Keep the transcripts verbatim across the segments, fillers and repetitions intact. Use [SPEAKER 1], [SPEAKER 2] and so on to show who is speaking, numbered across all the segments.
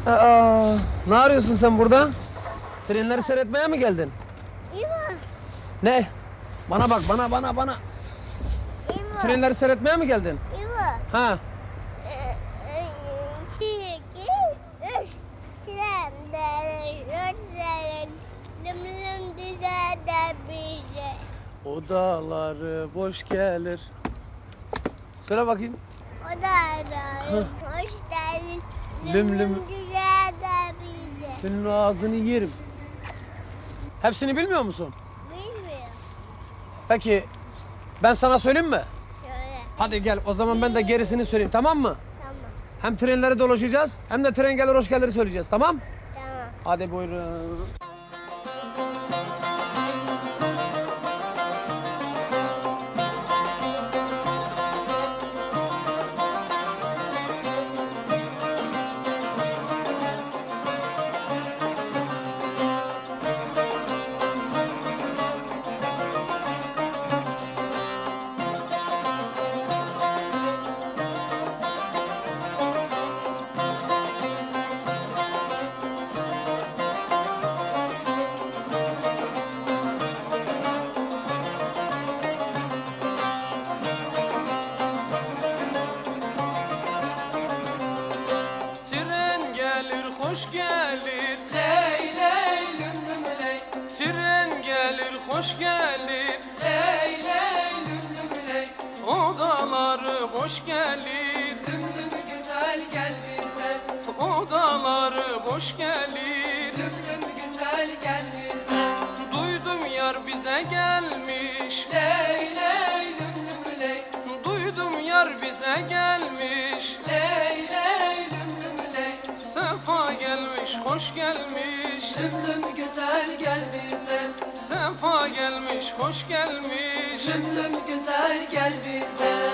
[SPEAKER 1] Aa, ne arıyorsun sen burada? Trenleri seyretmeye mi geldin?
[SPEAKER 2] İma,
[SPEAKER 1] Ne? Bana bak, bana, bana, bana.
[SPEAKER 2] İma,
[SPEAKER 1] Trenleri seyretmeye mi geldin?
[SPEAKER 2] İma.
[SPEAKER 1] Ha?
[SPEAKER 2] Ee, e, iki, üç, tren, dere, rotların, lımlım düzelde bize.
[SPEAKER 1] Odaları boş gelir. Söyle bakayım.
[SPEAKER 2] Odaların hoş geldin,
[SPEAKER 1] Lüm lüm.
[SPEAKER 2] lımlım düzelde bize.
[SPEAKER 1] Senin o ağzını yerim. Hepsini bilmiyor musun?
[SPEAKER 2] Bilmiyorum.
[SPEAKER 1] Peki, ben sana söyleyeyim mi?
[SPEAKER 2] Şöyle,
[SPEAKER 1] Hadi gel, o zaman ben de gerisini söyleyeyim, tamam mı?
[SPEAKER 2] tamam,
[SPEAKER 1] Hem trenleri dolaşacağız, hem de tren gelir hoş gelir söyleyeceğiz, tamam?
[SPEAKER 2] tamam.
[SPEAKER 1] Hadi buyurun. Tren gelir hoş gelir,
[SPEAKER 3] Ley ley lüm lüm ley,
[SPEAKER 1] tren gelir hoş gelir,
[SPEAKER 3] ley ley lüm lüm ley,
[SPEAKER 1] odaları boş gelir,
[SPEAKER 3] lüm lüm güzel gel bize,
[SPEAKER 1] odaları boş gelir.
[SPEAKER 3] lüm lüm güzel gel bize,
[SPEAKER 1] Duydum yar bize gelmiş,
[SPEAKER 3] ley ley lüm lüm ley,
[SPEAKER 1] duydum yar bize gelmiş.
[SPEAKER 3] ley ley lüm lüm ley,
[SPEAKER 1] Sefa gelmiş, hoş gelmiş.
[SPEAKER 3] lüm lüm güzel gel bize,
[SPEAKER 1] Sefa gelmiş, hoş gelmiş.
[SPEAKER 3] lüm lüm güzel gel bize.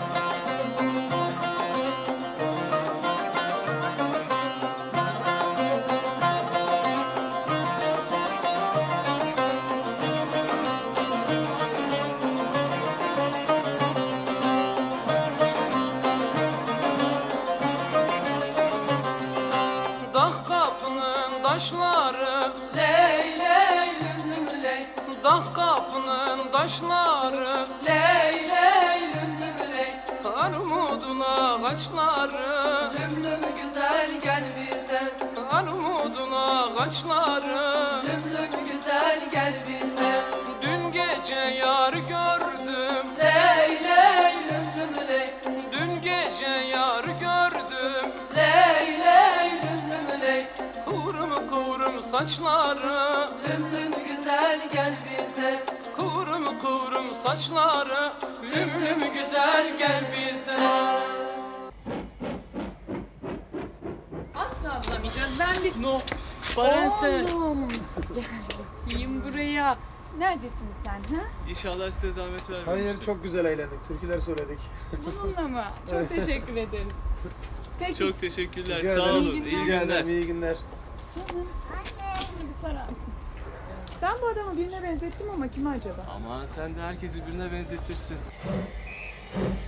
[SPEAKER 1] Dağ kapının taşları,
[SPEAKER 3] Ley ley lüm lüm ley,
[SPEAKER 1] dağ kapının taşları,
[SPEAKER 3] ley ley lüm lüm ley,
[SPEAKER 1] armudun ağaçları,
[SPEAKER 3] lüm lüm güzel gel bize,
[SPEAKER 1] armudun ağaçları.
[SPEAKER 3] lüm lüm güzel gel bize.
[SPEAKER 1] Dün gece yar gördüm,
[SPEAKER 3] Ley ley lüm lüm ley,
[SPEAKER 1] dün gece yar gördüm.
[SPEAKER 3] ley ley lüm lüm ley,
[SPEAKER 1] Kıvrım kıvrım saçları,
[SPEAKER 3] lüm lüm güzel gel bize,
[SPEAKER 1] kıvrım kıvrım saçları. Lüm lüm güzel gel bize.
[SPEAKER 4] Asla bulamayacağız. Ben bir...
[SPEAKER 5] No. Baran sen.
[SPEAKER 4] Oğlum. Gel bakayım buraya. Neredesin sen ha?
[SPEAKER 5] İnşallah size zahmet vermemiştir.
[SPEAKER 1] Hayır, çok güzel eğlendik. Türküler söyledik.
[SPEAKER 4] Bununla mı? Çok teşekkür ederiz. Peki.
[SPEAKER 5] Çok teşekkürler.
[SPEAKER 1] Rica
[SPEAKER 5] Sağ
[SPEAKER 1] ederim.
[SPEAKER 5] olun.
[SPEAKER 4] İyi
[SPEAKER 5] İyi
[SPEAKER 4] günler.
[SPEAKER 1] Rica
[SPEAKER 5] günler.
[SPEAKER 1] ederim, iyi günler.
[SPEAKER 4] Şunu bir sarar mısın? Ben bu adamı birine benzettim ama kime acaba?
[SPEAKER 5] Aman sen de herkesi birine benzetirsin.